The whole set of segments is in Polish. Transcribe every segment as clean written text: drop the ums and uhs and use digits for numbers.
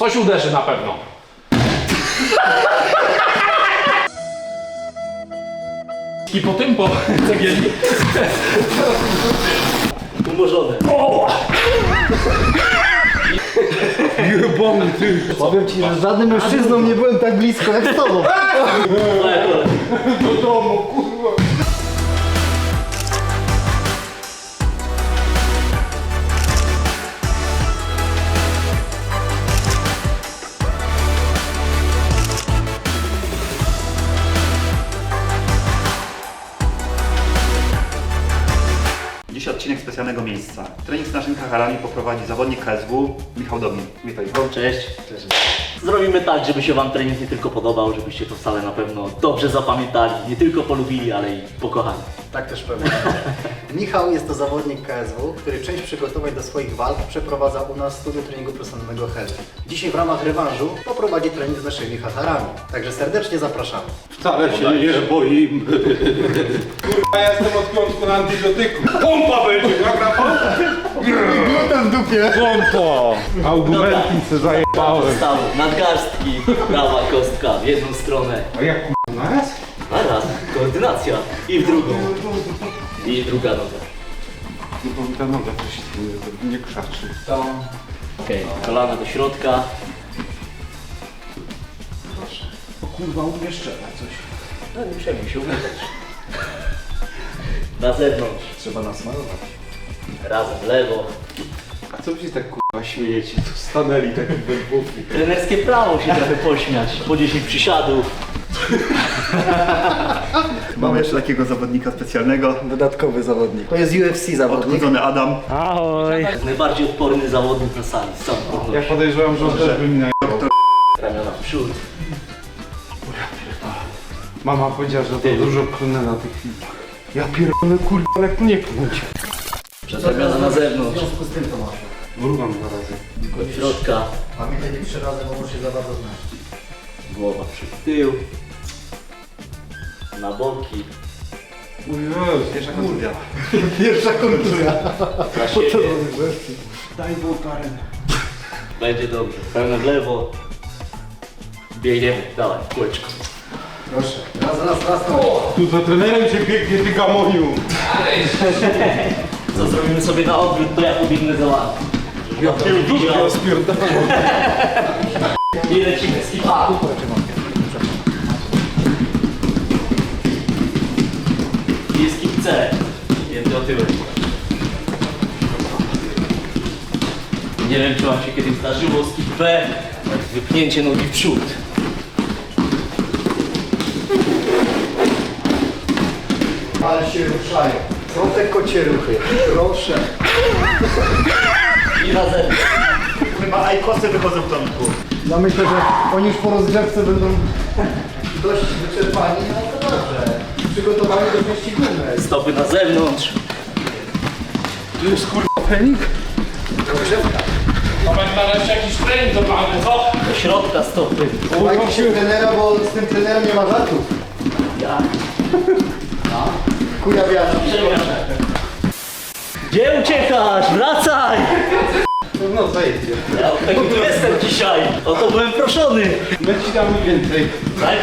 Coś uderzy na pewno. I po tym, po cegieli. Umorzone. Jebany ty. Powiem ci, że żadnym mężczyzną nie byłem tak blisko jak z tobą. Do domu, kurwa. Dziś odcinek specjalnego miejsca. Trening z naszymi harami poprowadzi zawodnik KSW Michał Domin. Witaj. Cześć. Zrobimy tak, żeby się wam trening nie tylko podobał, żebyście to wcale na pewno dobrze zapamiętali, nie tylko polubili, ale i pokochali. Tak też pewnie. Michał jest to zawodnik KSW, który część przygotowań do swoich walk przeprowadza u nas w studiu treningu personalnego Health. Dzisiaj w ramach rewanżu poprowadzi trening z naszymi hatarami. Także serdecznie zapraszamy. Wcale się nie boimy. Kurwa, ja jestem od piątku na antybiotyku. Pompa będzie, jak na pompę. Gluten w dupie! Pompa. Argumenty se zajebałem. Staw, nadgarstki, prawa kostka w jedną stronę. A jak kurwa, naraz? Naraz, koordynacja i w drugą. I druga noga. No bo ta noga coś nie krzaczy. Okej, kolana do środka. O kurwa, umieszczę coś. No nie przejmuj się, umyć. Na zewnątrz, Trzeba nasmarować. razem w lewo. A co wy się tak kurwa śmiejecie? Tu stanęli taki wędrówki. Trenerskie prawo się trochę pośmiać. Po 10 przysiadów. Mamy jeszcze takiego zawodnika specjalnego. Dodatkowy zawodnik. To jest UFC zawodnik. Odchudzony Adam. Najbardziej odporny zawodnik na sali, z całą pewnością. Ja podejrzewam, że on też by mi na... Ramiona w przód. Mama powiedziała, że to dużo klnę na tych filmach. Ja pierdolę kurwa, ale tu nie klnąć. Przez ramiona na W zewnątrz. związku z tym to masz. Mrugam 2 razy. Od środka. Pamiętaj, 3 razy, bo może się za bardzo znać. Głowa przed tył. Na boki. O Jezu, Pierwsza kontuzja. Pierwsza kontuzja. Na siebie. daj Karen. Będzie dobrze. Pełne w lewo. Biegniemy. Dawaj, w kółeczko. Proszę. Raz. Tu za trenerem cię biegnie, ty gamoniu. Co zrobimy sobie na odwrót, to ja powinny załatwić. Ja Ja spierdalam. I lecimy z kipa. I jest kip C. Jedny otyłek. Nie wiem, czy wam się kiedyś zdarzyło z kip B. Wypchnięcie nogi w przód. Ale się ruszają. Są te kocie ruchy. Proszę. I razem. Chyba ajkosy wychodzą w tomku. Ja myślę, że oni już po rozgrzewce będą dość wyczerpani, ale to dobrze. Przygotowani do części głównej. Stopy na zewnątrz. Tu jest kurwa trening? Rozgrzewka. To będzie nareszcie jakiś trening do pana, co? Do środka stopy. Słuchajcie się trenera, bo z tym trenerem nie ma żartów. Ja. Kuja wiatr. Gdzie uciekasz? Wracaj! No zajedzie. Ja od tego tu jestem dzisiaj. O to byłem proszony. My ci damy więcej. Tak?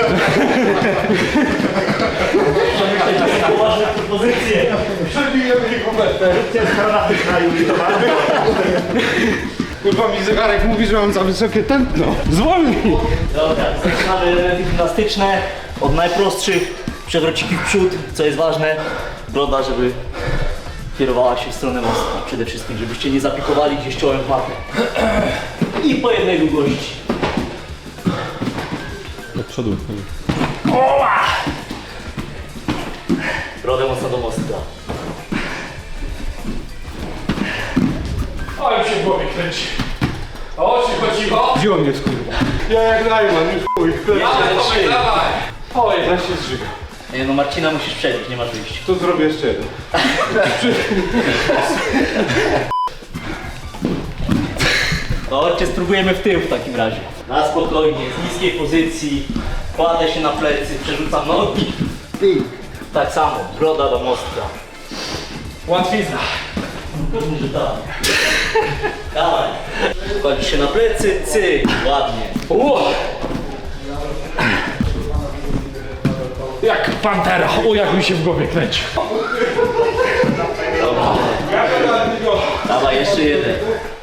Przemyśleć takie poważne propozycje. Przebijemy jego metę. Kurwa mi zegarek mówi, że mam za wysokie tętno. Zwolnij! Dobra, zaczynamy elementy gimnastyczne. Od najprostszych przewrociki w przód, co jest ważne. Broda, żeby kierowała się w stronę mostka. Przede wszystkim, żebyście nie zapikowali gdzieś czołem w matę. I po jednej długości. Do przodu. Oła! Brodę mocno do mostka. O, już się w głowie kręci. O, cicho. Wziął mnie skurwa. Ja jak Najman, już chuj. Dawaj. Oj, ja się zżyga. Nie no, Marcina musisz przebić, nie masz wyjścia. To zrobię jeszcze jeden. To chodźcie, spróbujemy w tył w takim razie. Na spokojnie, z niskiej pozycji. Kładę się na plecy, przerzucam nogi. Tak samo, broda do mostka. Łatwizna. Pewnie, że tak. Dawaj. Kładzisz się na plecy, cyk, ładnie. Jak pantera, o jak mi się w głowie kręci. Dawaj, jeszcze jeden.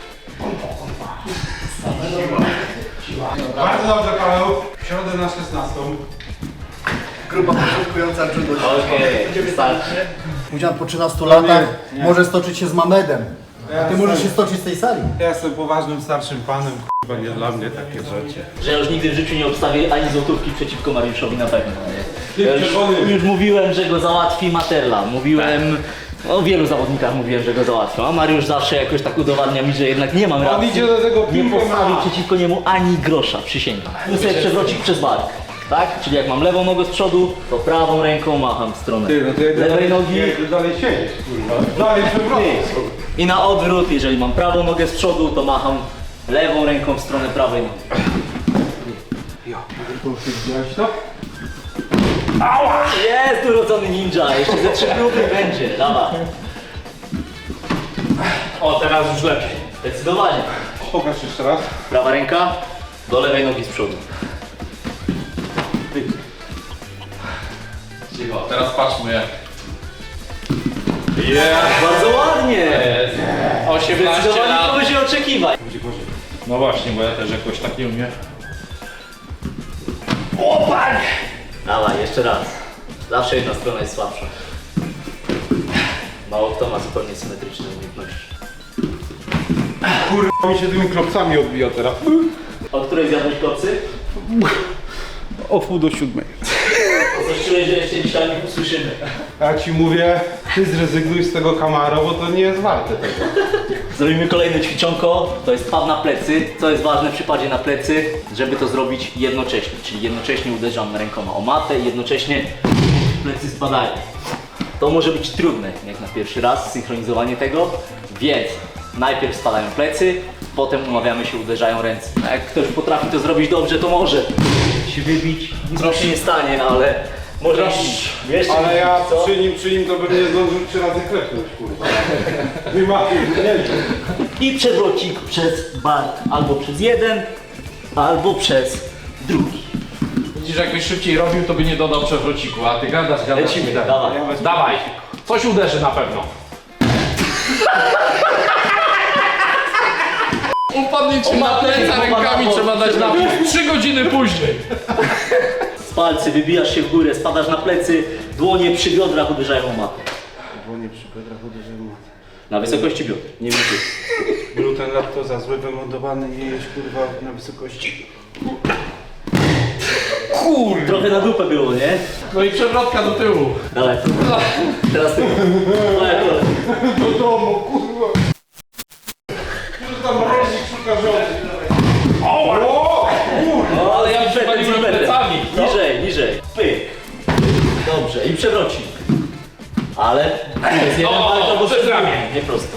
Bardzo dobrze, Paweł. W środę na 16. Grupa początkująca judo. Okej, wystarczy. Pudzian po 13 latach może stoczyć się z Mamedem. A ty możesz się stoczyć z tej sali. Ja jestem poważnym, starszym panem. Chyba nie dla mnie takie rzeczy. Że ja już nigdy w życiu nie obstawię ani złotówki przeciwko Mariuszowi na pewno. Nie? Ja już mówiłem, że go załatwi Materla. Mówiłem, o wielu zawodnikach mówiłem, że go załatwią, a Mariusz zawsze jakoś tak udowadnia mi, że jednak nie mam racji. idzie do tego Nie piłkę postawi ma. przeciwko niemu ani grosza, przysięgam. Tu sobie przewrocik przez bark. Tak? Czyli jak mam lewą nogę z przodu, to prawą ręką macham w stronę lewej nogi. dalej siedzieć, kurwa. Dalej przewrotnie. I na odwrót, jeżeli mam prawą nogę z przodu, to macham lewą ręką w stronę prawej nogi. Widziałeś to? Jest urodzony ninja, jeszcze ze 3 grupy będzie, dawaj. O, teraz już lepiej. Zdecydowanie. Pokaż jeszcze raz. Prawa ręka do lewej nogi z przodu. Cicho, teraz patrzmy jak. Bardzo ładnie. 18 Zdecydowanie lat. powyżej oczekiwań. No właśnie, bo ja też jakoś tak nie umiem. Dawaj, jeszcze raz. Zawsze jedna strona jest słabsza. Mało kto ma zupełnie symetryczne umiejętności. Kurwa mi się tymi klopcami odbija teraz. O której zjadłeś kopcy? O 6:30. Coś czuję, że jeszcze dzisiaj nie usłyszymy. Ja ci mówię, ty zrezygnuj z tego Camaro, bo to nie jest warte tego. Zrobimy kolejne ćwiczonko, to jest pad na plecy. Co jest ważne przy padzie na plecy, żeby to zrobić jednocześnie. Czyli jednocześnie uderzam rękoma o matę i jednocześnie plecy spadają. To może być trudne, jak na pierwszy raz, synchronizowanie tego, więc najpierw spadają plecy, potem umawiamy się, uderzają ręce. A jak ktoś potrafi to zrobić dobrze, to może się wybić, nic mu się nie stanie, ale może jeszcze Ale ja co? przy nim to bym nie zdążył 3 razy klepnąć, kurwa. Nie ma, nie wiem. I przewrocik przez bark, albo przez jeden, albo przez drugi. Widzisz, jakbyś szybciej robił, to by nie dodał przewrociku, a ty gadasz. Lecimy, dawaj. Dawaj, coś uderzy na pewno. Upadnie ci na pleca rękami, trzeba dać na 3 godziny później. Z palcy wybijasz się w górę, spadasz na plecy, dłonie przy biodrach uderzają o matę. Dłonie przy biodrach uderzyły. Na wysokości biodr, nie więcej. Gluten, laktoza, zły wymodowany i jeść, kurwa, na wysokości. Trochę na dupę było, nie? No i przewrotka do tyłu. Dawaj, teraz ty. Dawaj, kolej. Do domu, kurwa. Już tam mrozik szuka żony. O, ale ja impetem, przywaliłem impetem. plecami. Niżej, niżej. Pyk. Dobrze, i przewrocik. Ale to jest jeden O, bark albo przez ramię. nie prosto.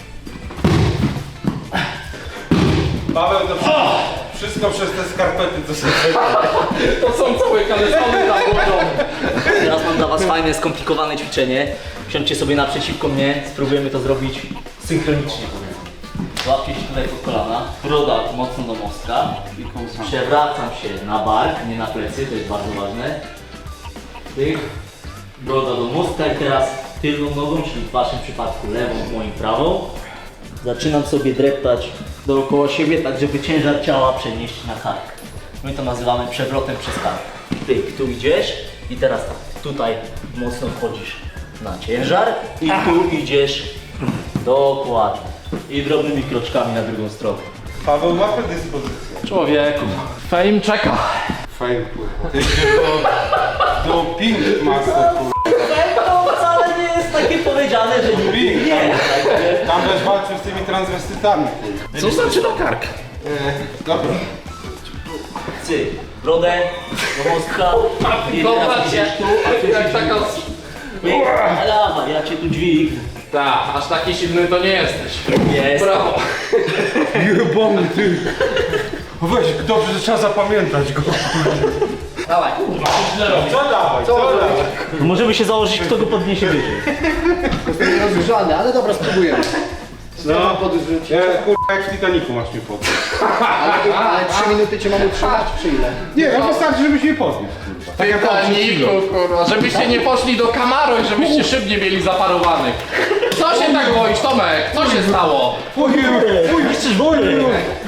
Paweł, to wszystko przez te skarpety, co sobie To są całe kalesony założone. Teraz mam dla was fajne, skomplikowane ćwiczenie. Siądźcie sobie naprzeciwko mnie, spróbujemy to zrobić synchronicznie. Złapcie się tutaj pod kolana, broda mocno do mostka. Przewracam się na bark, nie na plecy, to jest bardzo ważne. Tyk, broda do mostka i teraz tylną nogą, czyli w waszym przypadku lewą, w moim prawą. Zaczynam sobie dreptać dookoła siebie, tak żeby ciężar ciała przenieść na kark. My to nazywamy przewrotem przez kark. Tyk, tu idziesz i teraz tak, tutaj mocno wchodzisz na ciężar i tu idziesz dokładnie. I drobnymi kroczkami na drugą stronę. Paweł ma predyspozycję. Człowieku, fame czeka. Fajnie, kurwa. Ty idziesz do Pink Master, kurwa. To wcale nie jest takie powiedziane, że Pink. nie. Tam też walczył z tymi transwestytami, kurwa. Co znaczy na kark? Dobra. Cyk, brodę do mostka i teraz Dobra, idziesz tu, a tu jak taka... Dawaj, ja cię tu dźwignę. Tak, aż taki silny to nie jesteś. Jest. Brawo. Jebany, ty. Weź, dobrze, że trzeba zapamiętać go. Dawaj. Co dawaj, co dawaj? Możemy się założyć, kto go podniesie wyżej. Jestem rozgrzany, ale dobra, spróbujemy. mam podrzucić. Ja, kurwa, jak w Titanicu masz mnie podnieść. Ale 3 minuty cię mam utrzymać, czy ile? Nie, no wystarczy, żebyś mnie podniósł, kurwa. Tak jak on przed chwilą. kurwa, żebyście nie poszli do Camaro i żebyście szybnie mieli zaparowanych. Co się tak boisz, Tomek? Co się stało? Chcesz wolny?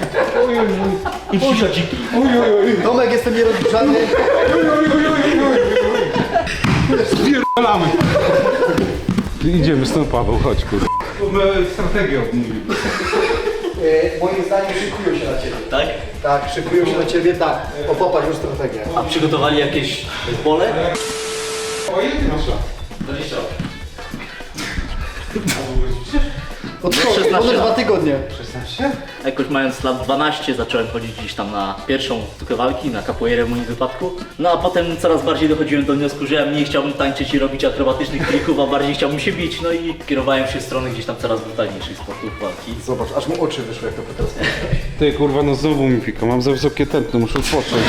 I psia dziki. Tomek, jestem nierozgrzany. Spierdolamy. Idziemy stąd, Paweł, chodź, kurwa. My strategię odmówili. Moim zdaniem szykują się na ciebie. Tak? Tak, szykują się na ciebie, tak. Popatrz, już strategię. A przygotowali jakieś pole? O, ile ty masz lat? 20. Od 16 ponad 2 lat. tygodnie. 16? Jakoś mając lat 12 zacząłem chodzić gdzieś tam na pierwszą sztukę walki, na capoeirę w moim wypadku. No a potem coraz bardziej dochodziłem do wniosku, że ja mniej chciałbym tańczyć i robić akrobatycznych trików, a bardziej chciałbym się bić. No i kierowałem się w stronę gdzieś tam coraz brutalniejszych sportów walki. Zobacz, aż mu oczy wyszły, jak to teraz. Ty, kurwa, no znowu mi pika. Mam za wysokie tętno, muszę odpocząć.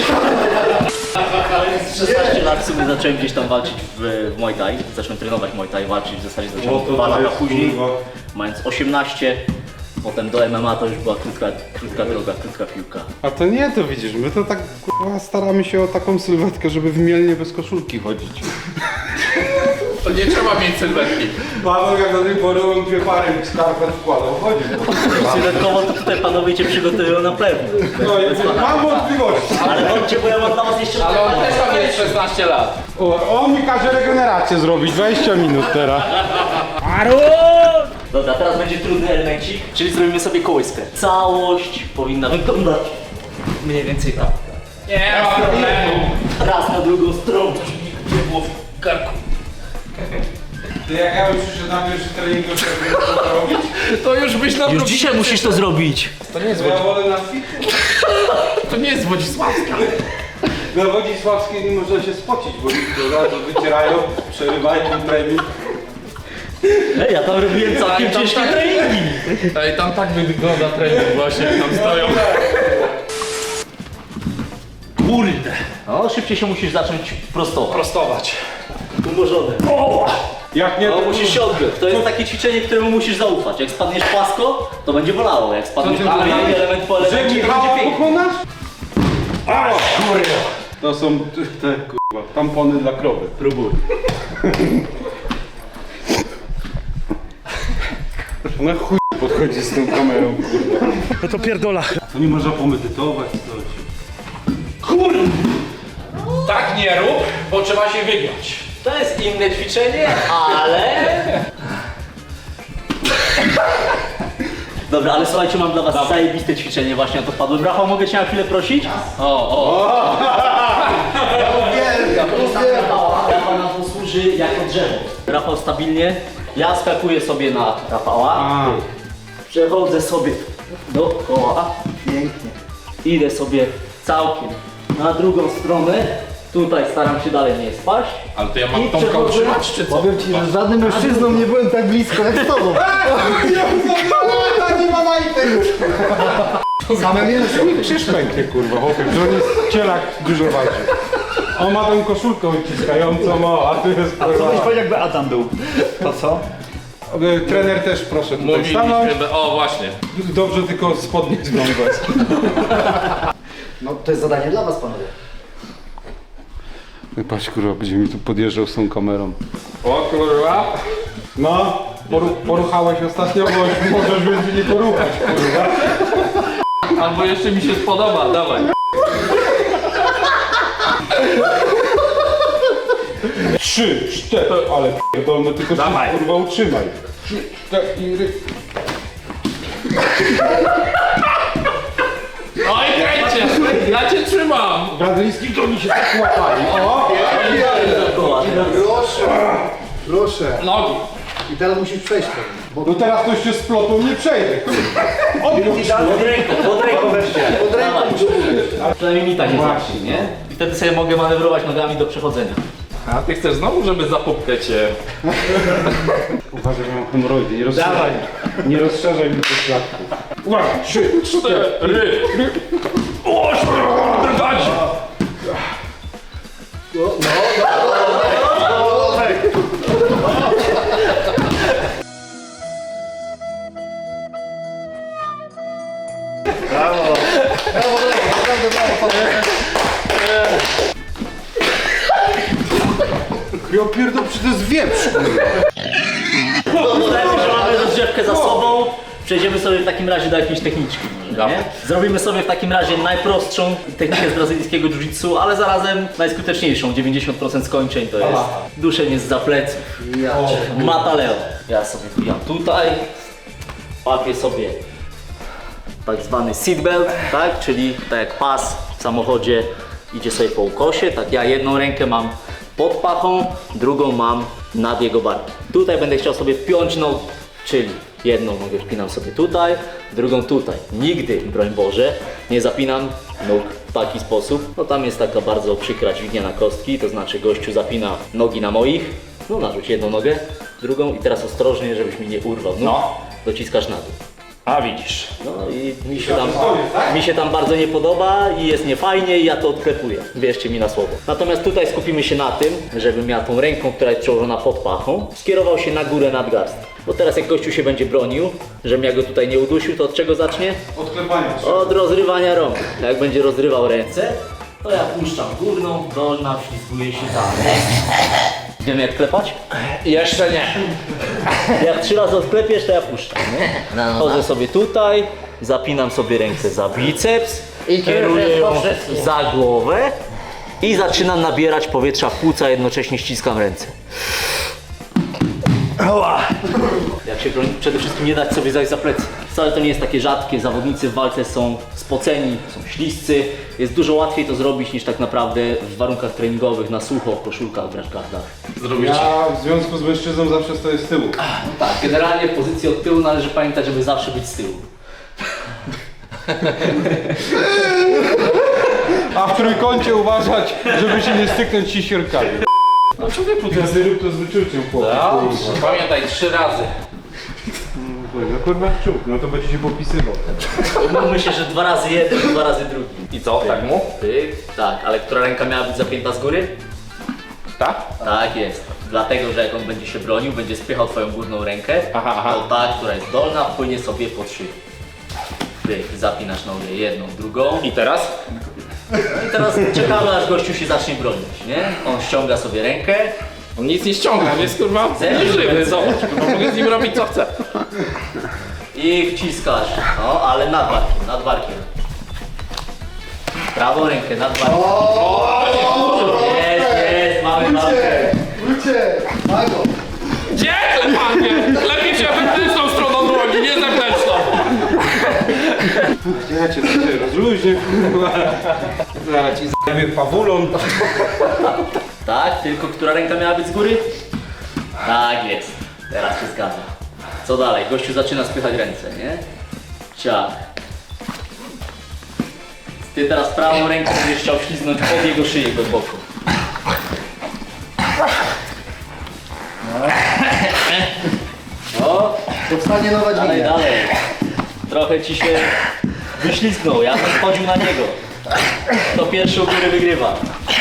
Z 16 lat w sumie zacząłem gdzieś tam walczyć w Muay Thai. Zacząłem trenować Muay Thai, walczyć w zasadzie zacząłem 2 lata później. Mając 18, potem do MMA to już była krótka droga, krótka piłka. A to nie, to widzisz, my to tak, kurwa, staramy się o taką sylwetkę, żeby w Mielnie bez koszulki chodzić. To nie trzeba mieć sylwetki. Paweł, jak do tej pory on 2 pary skarpet wkładał, chodził. Sylwetkowo to tutaj panowie cię przygotowują na pewno. No, mam wątpliwości. Ale chodźcie, bo ja mam dla was jeszcze Ale on też ma mieć 16 lat. On mi każe regenerację zrobić, 20 minut teraz. Dobra, teraz będzie trudny elemencik, czyli zrobimy sobie kołyskę. Całość powinna wyglądać mniej więcej tak. Nie ma problemu. Raz na drugą stronę, żeby nie było w karku. Ty, jak ja bym przyszedł na pierwszy trening, to trzeba robić? To już byś na Już dzisiaj musisz to zrobić. To nie jest, Ja wolę na fit. to nie jest Wodzisławska. Na Wodzisławskiej nie można się spocić, bo ludzie od razu wycierają, przerywają trening. Ej, ja tam robiłem całkiem tam ciężkie tak- treningi. Ej, tam tak wygląda trening właśnie, jak tam stoją. Kurde. No, szybciej się musisz zacząć prostować. Prostować. Umorzone. Jak nie, No, to musisz się odbyć. To jest takie ćwiczenie, któremu musisz zaufać. Jak spadniesz płasko, to będzie bolało. Jak spadniesz Co ty dalej, mówisz? element po Że elemencie, to Michała będzie pięknie. pokonasz? A, kurwa. To są te, kurwa, tampony dla krowy. Próbuj. Ona chuj podchodzi z tą kamerą, kurwa. No to pierdola. To nie można pomedytować, coś. Tak nie rób, bo trzeba się wygiąć. To jest inne ćwiczenie, ale... Dobra, ale słuchajcie, mam dla was zajebiste ćwiczenie, właśnie na to wpadłem. Rafał, mogę cię na chwilę prosić? Rafał nam posłuży jako drzewo. Rafał stabilnie, ja skakuję sobie na Rafała, A. przechodzę sobie dookoła, Pięknie. idę sobie całkiem na drugą stronę, tutaj staram się dalej nie spaść. Ale to ja I mam Tomka przechodzę- utrzymać, czy co? Powiem ci, że z żadnym mężczyzną nie byłem tak blisko jak z tobą. Nie ma majtek! Same mięso. Krzyż pęknie, kurwa, chłopie, że on jest cielak dużo walczy. On ma tą koszulkę uciskającą, a tu jest kurwa. jakby Adam był. To co? Trener też proszę tutaj stanąć. Mówiliśmy, o właśnie. Dobrze tylko spodnie zglądać. No to jest zadanie dla was, panowie. Patrz, kurwa, będzie mi tu podjeżdżał z tą kamerą. O kurwa. No, poruchałeś ostatnio, bo możesz więcej nie poruchać, kurwa. Albo jeszcze mi się spodoba, dawaj. 3, 4, ale pierdolno, tylko się kurwa utrzymaj. 3, 4. Oj, kręcie! Ja cię trzymam! Brazylijski to mi się tak łapali. O! Proszę. Nogi. I teraz musisz przejść ten. Bo No teraz ktoś się splotą, nie przejdę. Odwróć Pod ręką weźcie. pod ręką Przynajmniej mi tak nie zacznie, nie? I wtedy sobie mogę manewrować nogami do przechodzenia. A ty chcesz znowu, żeby zapupkę cię... Uważaj, że mam hemoroidy, nie rozszerzaj. Nie rozszerzaj mi tych klatków. Uwaga, 3, 4. Ry! Oś, drgać! Ja pierdolę, przecież to jest wieprz. Uznajmy, że mamy rozgrzewkę za sobą. Przejdziemy sobie w takim razie do jakiejś techniczki. Może, nie? Zrobimy sobie w takim razie najprostszą technikę z brazylijskiego jiu-jitsu, ale zarazem najskuteczniejszą. 90% skończeń to jest duszenie zza pleców. Mataleo. Ja sobie wbijam tutaj, łapię sobie tak zwany seatbelt, tak? Czyli tak jak pas w samochodzie idzie sobie po ukosie, tak ja jedną rękę mam pod pachą, drugą mam nad jego barkiem. Tutaj będę chciał sobie wpiąć nogi, czyli jedną nogę wpinam sobie tutaj, drugą tutaj. Nigdy, broń Boże, nie zapinam nóg w taki sposób. No tam jest taka bardzo przykra dźwignia na kostki, to znaczy gościu zapina nogi na moich, no narzuć jedną nogę, drugą i teraz ostrożnie, żebyś mi nie urwał nóg, dociskasz na dół. A widzisz. No i mi się tam bardzo nie podoba i jest niefajnie i ja to odklepuję, wierzcie mi na słowo. Natomiast tutaj skupimy się na tym, żebym ja tą ręką, która jest przełożona pod pachą, skierował się na górę nadgarstka. Bo teraz jak gościu się będzie bronił, żebym ja go tutaj nie udusił, to od czego zacznie? Od klepania. Od rozrywania rąk. Jak będzie rozrywał ręce, to ja puszczam górną, dolna, wślizguję się tam. Wiemy jak klepać? Jeszcze nie. Jak 3 razy odklepiesz, to ja puszczam, nie? Chodzę sobie tutaj, zapinam sobie rękę za biceps, kieruję ją za głowę i zaczynam nabierać powietrza w płuca, jednocześnie ściskam ręce. Jak się broni, przede wszystkim nie dać sobie zajść za plecy. Wcale to nie jest takie rzadkie, zawodnicy w walce są spoceni, są śliscy. Jest dużo łatwiej to zrobić niż tak naprawdę w warunkach treningowych, na sucho, w koszulkach, w rashgardach. Ja w związku z mężczyzną zawsze stoję z tyłu. Tak, generalnie w pozycji od tyłu należy pamiętać, żeby zawsze być z tyłu. A w trójkącie uważać, żeby się nie styknąć siekierkami. No człowieku, Ja sobie rób to z wyczuciem, chłopie. pamiętaj 3 razy. No kurwa czub, no to będzie się popisywał. Myślę, że 2 razy jeden, 2 razy drugi. I co, tak mu? Tak, ale która ręka miała być zapięta z góry? Tak? Tak jest. Dlatego, że jak on będzie się bronił, będzie spychał twoją górną rękę, Aha. to ta, która jest dolna, płynie sobie pod szyję. Ty zapinasz nogę jedną, drugą. I teraz? No i teraz czekamy, aż gościu się zacznie bronić, nie? On ściąga sobie rękę. On nic nie ściąga, on jest kurwa Zero. żywy, zobacz, kurwa, mogę z nim robić co chcę. I wciskasz, no ale nad barkiem. Prawą rękę nad barkiem. Jest, mamy walkę. Gdzie ten panie? Lepiej się wewnętrzną stroną dłoni, nie zewnętrzną. Ja cię tutaj rozluźnię, kurwa. Zaraz ci zajmie pawulon. Tak, tylko która ręka miała być z góry? Tak jest, teraz się zgadza. Co dalej? Gościu zaczyna spychać ręce, nie? Ciach. Ty teraz prawą ręką będziesz chciał ślizgnąć pod jego szyję głęboko. No, Powstanie nowa dalej, dźwignia. dalej. Trochę ci się wyślizgnął, ja bym wchodził na niego. Kto pierwszy u góry wygrywa.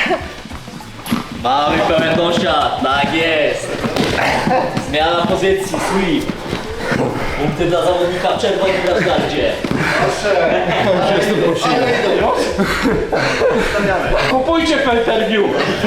Mamy pełen dosiad, tak jest. Zmiana pozycji, sweep. Punkty dla zawodnika w czerwonym rashgardzie. Kupujcie pay-per-view.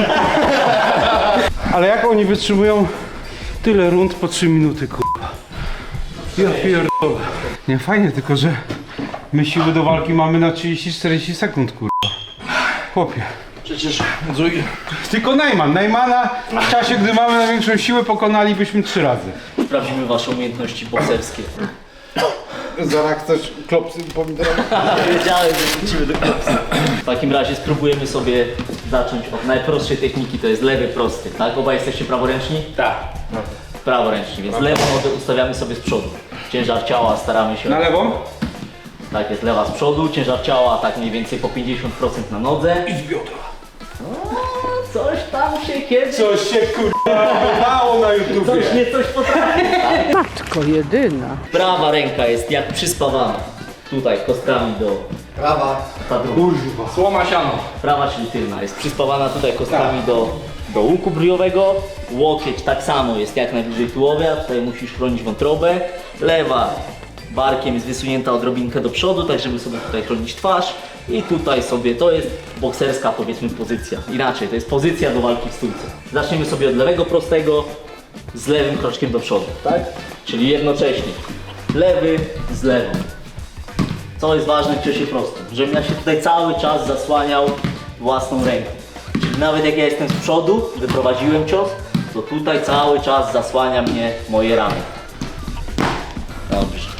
Ale jak oni wytrzymują tyle rund po 3 minuty, kurwa. Ja pierdolę. Nie, fajnie, tylko że my siły do walki mamy na 30-40 sekund, kurwa. Chłopie. Przecież Tylko Najmana w czasie, gdy mamy największą siłę, pokonalibyśmy 3 razy. Sprawdzimy wasze umiejętności bokserskie. Zaraz chcesz klopsy pomidorowe? Wiedziałem, że wrócimy do klopsy. W takim razie spróbujemy sobie zacząć od najprostszej techniki, to jest lewy prosty, tak? Obaj jesteście praworęczni? tak. Praworęczni, więc lewą nogę ustawiamy sobie z przodu. Ciężar ciała staramy się... Na lewą? Tak jest, lewa z przodu, ciężar ciała tak mniej więcej po 50% na nodze. I z biodra. Coś tam się kiedyś... Coś się kurwa wydało na YouTubie. Coś nie coś potrafi. Matko jedyna. Prawa ręka jest jak przyspawana. Tutaj kostkami do... Prawa. Ta druga. Kurwa. Słoma siano. Prawa, czyli tylna, jest przyspawana tutaj kostkami do łuku bryjowego. Łokieć tak samo jest jak najbliżej tułowia, tutaj musisz chronić wątrobę. Lewa barkiem jest wysunięta odrobinkę do przodu, tak żeby sobie tutaj chronić twarz. I tutaj sobie, to jest bokserska powiedzmy pozycja. Inaczej, to jest pozycja do walki w stójce. Zaczniemy sobie od lewego prostego z lewym kroczkiem do przodu, tak? Czyli jednocześnie lewy z lewą. Co jest ważne w ciosie prostym? Żebym ja się tutaj cały czas zasłaniał własną ręką. Czyli nawet jak ja jestem z przodu, wyprowadziłem cios, to tutaj cały czas zasłania mnie moje ramię. Dobrze.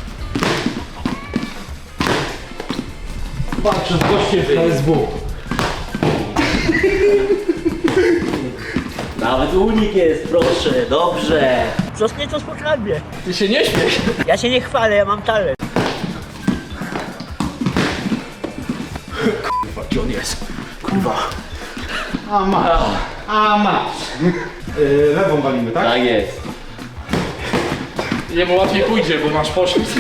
Patrzę z gościem w KSW. Nawet unik jest, proszę, dobrze. Coś nieco spokojnie. Ty się nie śmiesz. Ja się nie chwalę, ja mam talent. Gdzie on jest? A masz. Lewą walimy, tak? Tak jest. Jemu łatwiej pójdzie, bo masz poślizg.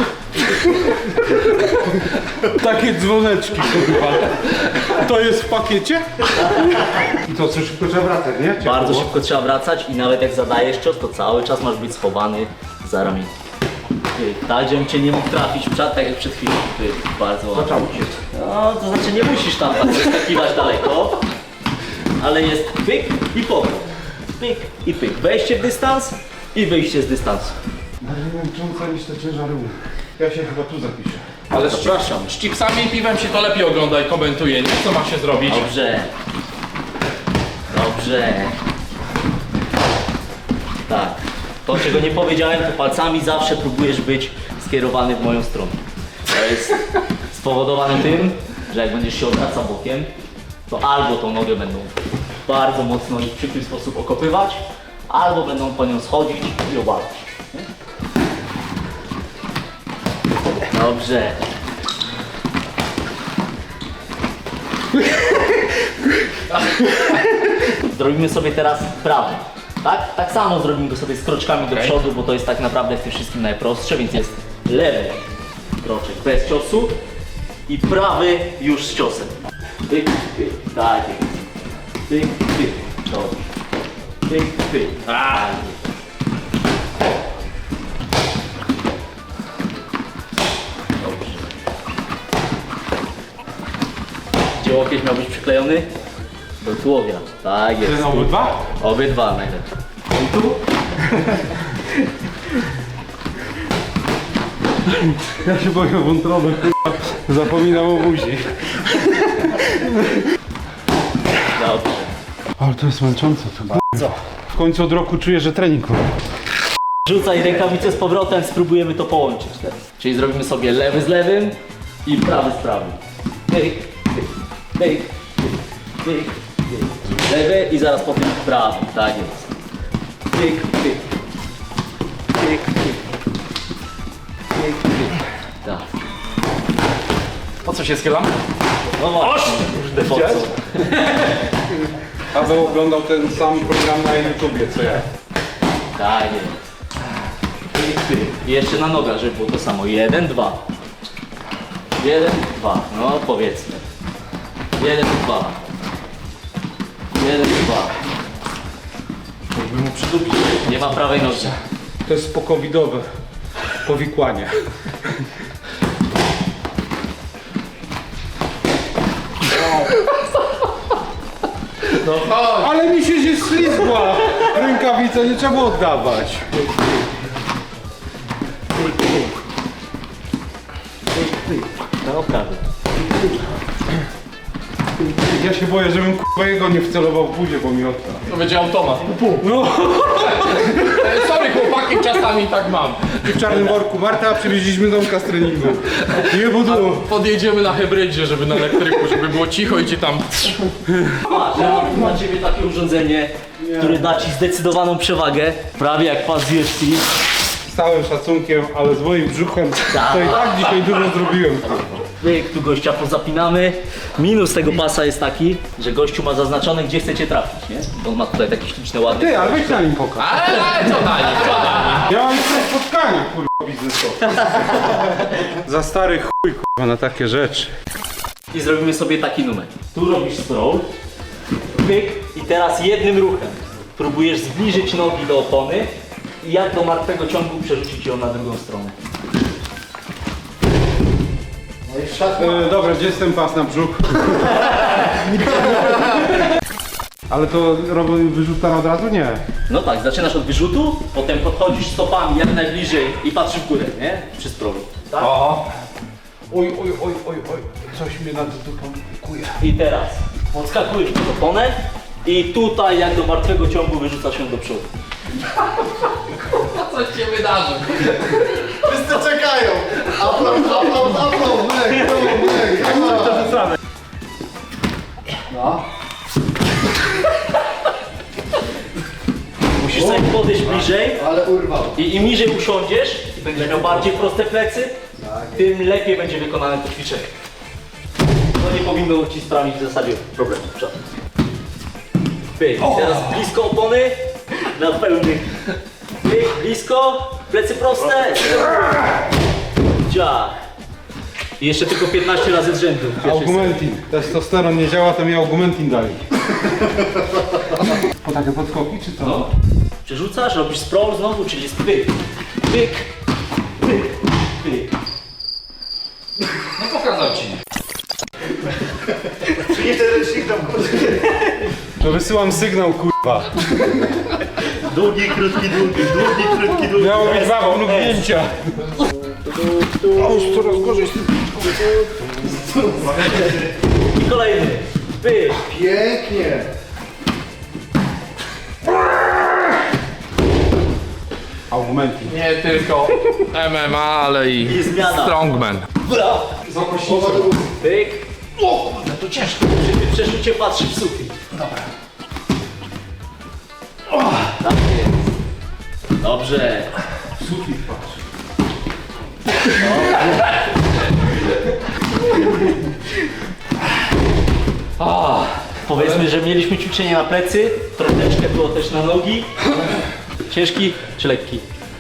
Takie dzwoneczki, kurwa. To jest w pakiecie? I to co, szybko trzeba wracać, nie? Bardzo szybko trzeba wracać i nawet jak zadajesz cios, to cały czas masz być schowany za ramieniem. Tak, żebym cię nie mógł trafić w czat, tak jak przed chwilą. Bardzo łatwo. No, to znaczy nie musisz tam tak wyskakiwać daleko, ale jest pyk i powrót. Pyk i pyk. Wejście w dystans i wyjście z dystansu. Bardziej męcząca niż te ciężary. Ja się chyba tu zapiszę. Ale z chipsami i piwem się to lepiej ogląda i komentuje, nie? Co ma się zrobić? Dobrze. Dobrze. Tak. To, czego nie powiedziałem, to palcami zawsze próbujesz być skierowany w moją stronę. To jest spowodowane tym, że jak będziesz się odwracał bokiem, to albo tą nogę będą bardzo mocno i w przykry sposób okopywać, albo będą po nią schodzić i obalać. Dobrze. Zrobimy sobie teraz prawy. Tak? Tak samo zrobimy go sobie z kroczkami do przodu, bo to jest tak naprawdę w tym wszystkim najprostsze, więc jest lewy kroczek bez ciosu i prawy już z ciosem. Tyk, tyk, tak jest. Tyk, tyk, dobrze. Tyk, tyk, tak jest. Dobrze. Gdzie łokieć miał być przyklejony? Do tułowia. Tak jest. Ten obydwa? Obydwa najlepiej. I tu? Ja się boję o wątrobę, kurwa. Zapominam o buzi. Dobrze. Ale to jest męczące to. Co? W końcu od roku czuję, że trening robię. Rzucaj rękawice z powrotem, spróbujemy to połączyć teraz. Czyli zrobimy sobie lewy z lewym i prawy z prawym. Tyk, tyk, tyk, tyk, tyk, tyk. Lewy i zaraz potem prawy, tak jest. Tyk, tyk, tyk, tyk, tyk, tyk. Tak. Po co się schylam? No właśnie, kurde, po co? Paweł oglądał ten sam program na YouTubie, co ja. Tak jest. Tyk, tyk. I jeszcze na nogach, żeby było to samo. 1, 2. 1, 2. No powiedzmy. 1, 2. 1, 2. Jakby mu przydupić. Nie ma prawej nogi. To jest pokowidowe powikłanie. No chodź. Ale mi się ślizgła rękawica, nie trzeba było oddawać. No prawy. Ja się boję, żebym kurwa jego nie wcelował w budzie, bo mi odda. To będzie automat. No Sorry chłopaki, czasami tak mam. i w czarnym worku. Marta, przywieźliśmy domka z treningu. Nie budu. Podjedziemy na hybrydzie, żeby na elektryku, żeby było cicho i ci tam... Patrz, ja mam tu na ciebie takie urządzenie, które da ci zdecydowaną przewagę. Prawie jak pas UFC. Z całym szacunkiem, ale z moim brzuchem to i tak dzisiaj dużo zrobiłem. Pyk, tu gościa pozapinamy. Minus tego pasa jest taki, że gościu ma zaznaczone, gdzie chcecie trafić, nie? On ma tutaj takie śliczne, ładne... Ty, ale weź na nim pokaż. Ale co dalej, co dalej? Ja mam jeszcze spotkania, kurwa, biznesowe. Za stary chuj, kurwa, na takie rzeczy. I zrobimy sobie taki numer. Tu robisz sprawl, pyk i teraz jednym ruchem próbujesz zbliżyć nogi do opony i jak do martwego ciągu przerzucić ją na drugą stronę. Dobra, gdzie jest ten pas na brzuch? Ale to robię wyrzuta od razu? Nie. No tak, zaczynasz od wyrzutu, potem podchodzisz stopami jak najbliżej i patrzysz w górę, nie? Przy sprawę. Tak? Oj, coś mnie nad dupą kuje. I teraz podskakujesz pod oponę i tutaj jak do martwego ciągu wyrzucasz ją do przodu. A coś się wydarzy. Wszyscy czekają! Aplauz, myk. No. Musisz sobie podejść bliżej Ale urwał. i im niżej usiądziesz i będziesz miał bardziej proste plecy, tym lepiej będzie wykonane to ćwiczenie. To nie powinno ci sprawić w zasadzie problemu. Pyk, teraz blisko opony, na pełny. Pyk, blisko, plecy proste. Ciach. I jeszcze tylko 15 razy z rzędu. Augmentin. Testosteron nie działa, to mi augmentin dalej. Po takie podskoki czy co? No. Przerzucasz, robisz sprawl znowu, czyli jest pyk, pyk, pyk, pyk. No pokazał ci. Przynieś ten ręcznik tam. To wysyłam sygnał, kurwa. Długi, krótki, długi, długi, krótki, długi. Miało być dwa mrugnięcia. Coraz gorzej. I kolejny, pyk. Pięknie. Augmentin. Nie tylko MMA, ale i I zmiana. strongman. Pyk. O, no to ciężko. Przy przerzucie patrzysz w sufit. Dobra. Tak jest. Dobrze. Sufit patrz. Powiedzmy, że mieliśmy ćwiczenie na plecy, troszeczkę było też na nogi. Ciężki czy lekki?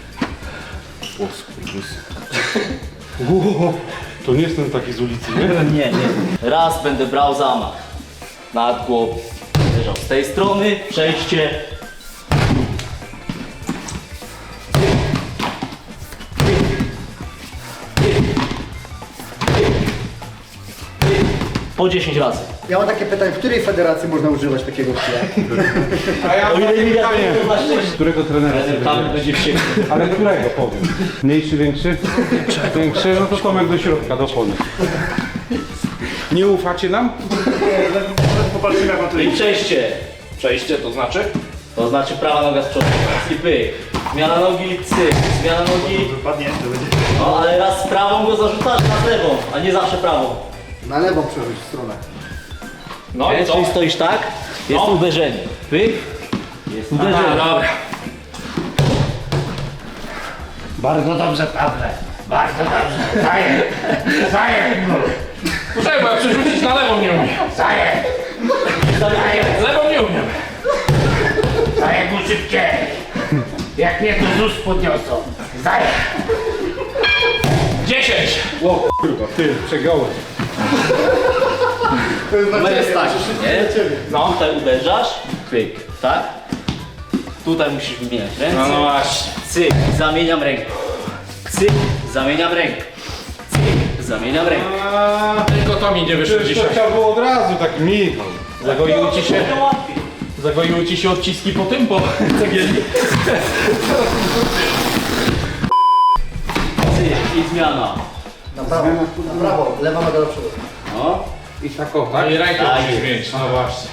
To nie jestem taki z ulicy, nie? Nie. Raz będę brał zamach. Nad głową. Leżał z tej strony, przejście. Po 10 razy. Ja mam takie pytanie, w której federacji można używać takiego kija? A ja O mam ile takie mi pytanie. to na szczęście. Którego trenera sobie Tam wybierzesz? będzie wściekły. Ale którego powiem? Mniejszy, większy? Większy, no to Tomek do środka, do opony. Nie ufacie nam? Popatrzymy jak on to I idzie. przejście. Przejście to znaczy? To znaczy prawa noga z przodu. I pyk. Zmiana nogi, cyk. Zmiana nogi. Wypadnie, to będzie... No ale raz z prawą go zarzucasz, raz lewą, a nie zawsze prawą. Na lewą przerzuć stronę. No i co? Czyli stoisz tak, jest No. uderzenie. Pyk. Jest uderzenie. Dobra. Bardzo dobrze, Pawle. Bardzo dobrze. Zaję. Zaję. Poczekaj, bo ja przerzucić na lewą nie umiem. Zaję. Z lewą nie umiem. Zaję mu szybciej. Jak mnie to ZUS podniosą. Zaję. 10. O kurwa, ty, przegiąłeś. No jest tak, nie? No. Tutaj uderzasz, pyk, tak? Tutaj musisz wymieniać ręce. No właśnie. Cyk, zamieniam rękę. Cyk, zamieniam rękę. Cyk, zamieniam rękę. Tylko to mi nie wyszło Przecież to dzisiaj. trzeba było od razu, tak Michał. Zagoiły ci się, To łatwiej. zagoiły ci się odciski po tym, po cegielni. Cyk i zmiana. Na prawo, lewa noga do przodu. No. I tak o, tak? I rękę Tak musisz jest. zmienić. No właśnie.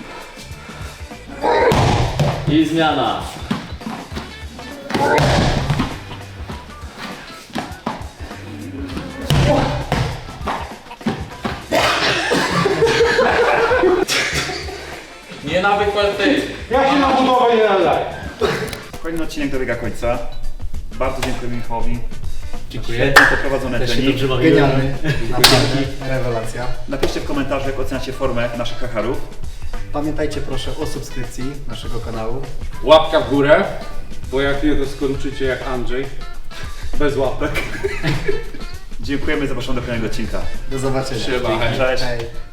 I zmiana. Nie nawykład ty. Ja się na budowę nie nadaję. Kolejny odcinek dobiega końca. Bardzo dziękuję Michałowi. Dziękuję. Świetnie poprowadzone Też się trening. dobrze bawiłem. Genialny. Naprawdę. Rewelacja. Napiszcie w komentarzach, jak oceniacie formę naszych hacharów. Pamiętajcie proszę o subskrypcji naszego kanału. Łapka w górę. Bo jak nie, to skończycie jak Andrzej. Bez łapek. Dziękujemy, zapraszamy do kolejnego odcinka. Do zobaczenia. Trzeba. Cześć. Hej.